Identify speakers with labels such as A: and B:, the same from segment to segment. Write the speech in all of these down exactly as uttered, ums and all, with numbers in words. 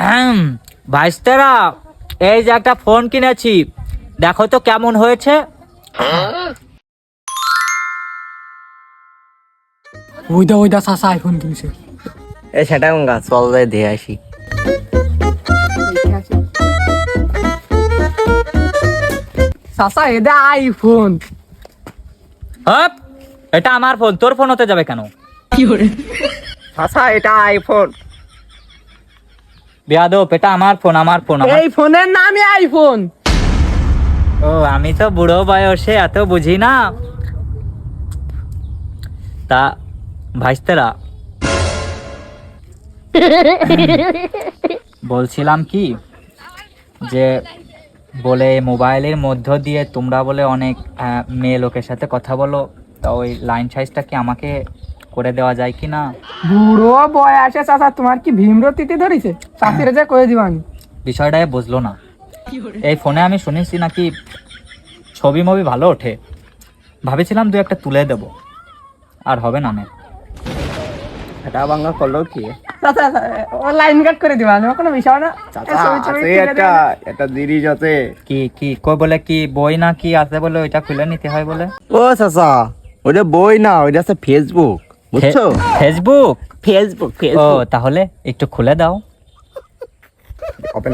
A: ভাইস্তারা, এই যে একটা ফোন কিনেছি, দেখো তো কেমন হয়েছে।
B: ওইদা ওইদা চাচা আইফোন কিনছে।
C: এ সেটা গঙ্গা চল যাই দিয়ে আসি।
B: চাচা এদা আইফোন।
A: হপ, এটা আমার ফোন, তোর ফোন হতে যাবে কেন?
C: চাচা এটা আইফোন।
A: বেয়াদব, এটা আমার ফোন, আমার ফোন আমার।
B: এই ফোনের নামই আইফোন।
A: ও, আমি তো বুড়ো বয়সে এত বুঝি না। তা ভাইস্তারা, বলছিলাম কি যে বলে মোবাইলের মধ্য দিয়ে তোমরা বলে অনেক আহ, মেয়ে লোকের সাথে কথা বলো, তা ওই লাইন সাইজটা কি আমাকে করে দেওয়া যায় কি না?
B: বুড়ো বয়সে চাচা তোমার কি ভীমরতিতে ধরেছে? চাচিরে যে কয়ে দিব আমি।
A: বিষয়টা এ বুঝলো না। এই ফোনে আমি শুনেছি নাকি ছবি মবি ভালো ওঠে, ভাবেছিলাম দু একটা তুলে দেব, আর হবে না।
C: সেটা বাংলা করলো কি?
B: চাচা ও লাইন কাট করে দিবা, আমি কোনো বিষয় না।
C: চাচা আছে একটা একটা জিনিস আছে।
A: কি কি কই বলে, কি বই না কি আছে বলে ওইটা খুলে নিতে হয় বলে?
C: ও চাচা, ওইটা বই না, ওইটা আছে ফেসবুক, বুঝছো?
A: ফেসবুক?
C: ফেসবুক
A: ও,
C: ফেসবুক।
A: তাহলে একটু খুলে দাও।
C: ওপেন।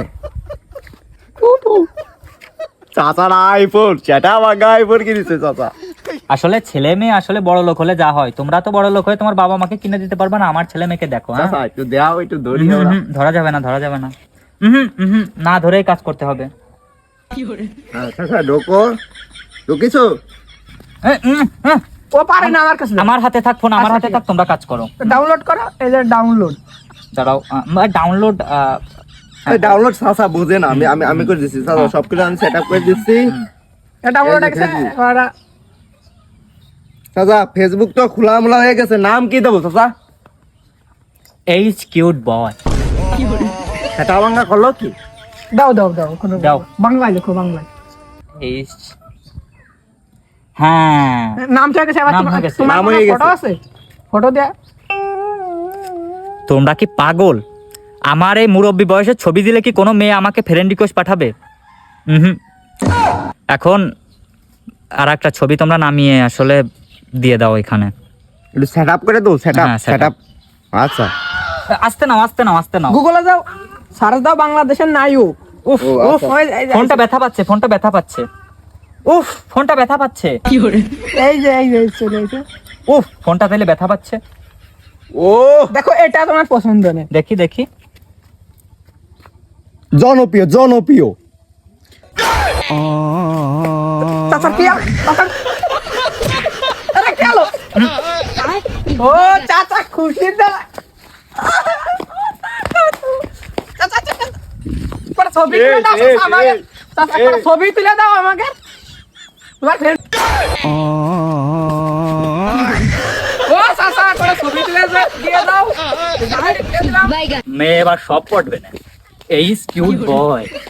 C: চাচার আইফোন, সেটা বাংলা আইফোন কিনেছে চাচা।
A: আসলে ছেলে মেয়ে আসলে বড় লোক হলে যা হয়, তোমরা তো বড় লোক হয়ে তোমার বাবা মাকে কিনে দিতে পারবে না, আমার ছেলে মেয়েকে দেখো। হ্যাঁ,
C: চাচা একটু দাও, একটু ধরি।
A: হুম, হুম, ধরা যাবে না, ধরা যাবে না। হুম হুম, না ধরেই কাজ করতে হবে।
C: চাচা ঢোকো, ঢুকিছো?
A: এ, উম, উম,
B: ও পারে না আমার কাছে।
A: আমার হাতে থাক ফোন, আমার
B: আচ্ছা,
A: হাতে
B: ঠিক
A: থাক, তোমরা কাজ করো।
B: ডাউনলোড করো, এই যে ডাউনলোড।
A: দাঁড়াও, ডাউনলোড।
C: ডাউনলোড চাচা বুঝে না, আমি আমি আমি করে দিচ্ছি চাচা, সবকিছু আমি সেট আপ করে দিচ্ছি।
B: ডাউনলোড
C: এই যে
B: আছে
C: ফেসবুক।
B: ওরা।
C: চাচা ফেসবুক তো খোলা মোলা হয়ে গেছে, নাম কি দেবো চাচা?
A: H cute boy.
C: সেটা বাংলা করলো কি?
B: দাও দাও দাও, কোনো
A: দাও।
B: বাংলায় লেখো, বাংলায়।
A: এইচ, হ্যাঁ,
B: নাম ঠিক আছে।
A: নাম হয়ে গেছে,
C: নাম হয়ে গেছে।
B: ফটো আছে, ফটো দে।
A: তোমরা কি পাগল? আমার এই মুরব্বী বয়সের ছবি দিলে কি কোনো মেয়ে আমাকে ফ্রেন্ড রিকোয়েস্ট পাঠাবে? হুম, এখন আর একটা ছবি তোমরা নামিয়ে আসলে দিয়ে দাও এখানে।
C: একটু সেট আপ করে দাও, সেট আপ
A: হ্যাঁ, set
C: সেট
A: up।
C: আপ। আচ্ছা
A: আস্তে নাও, আস্তে নাও, আস্তে নাও।
B: গুগলে যাও, সার্চ দাও বাংলাদেশের নায়ক।
A: উফ
C: ও,
A: উফ,
C: আচ্ছা।
B: ওই- এই যে-
A: ফোনটা ব্যথা পাচ্ছে, ফোনটা ব্যথা পাচ্ছে। উফ, ফোনটা ব্যথা পাচ্ছে।
B: এই যে এই যে চলে এসে
A: উফ, ফোনটা তাহলে ব্যথা পাচ্ছে।
C: ও
B: দেখো, এটা তোমার পছন্দ নেই।
A: দেখি দেখি।
C: জনপ্রিয় জনপ্রিয়।
B: চাচা কি আ- চাচা আরে কি হলো? ও চাচা খুশি দা। চাচা চাচা পরে ছবি তুলে দাও
C: এই,
B: চাচা আমাকে।
C: এই,
B: চাচা
C: এই।
B: পরে ছবি তুলে দাও আমাকে। তোমার ফ্রেন্ড। ও চাচা পরে ছবি তুলে দে- দিয়ে দাও। আমি দিয়ে দিলাম।
A: মেয়ে এবার সব পড়বে না। এইচ কিউট বয়।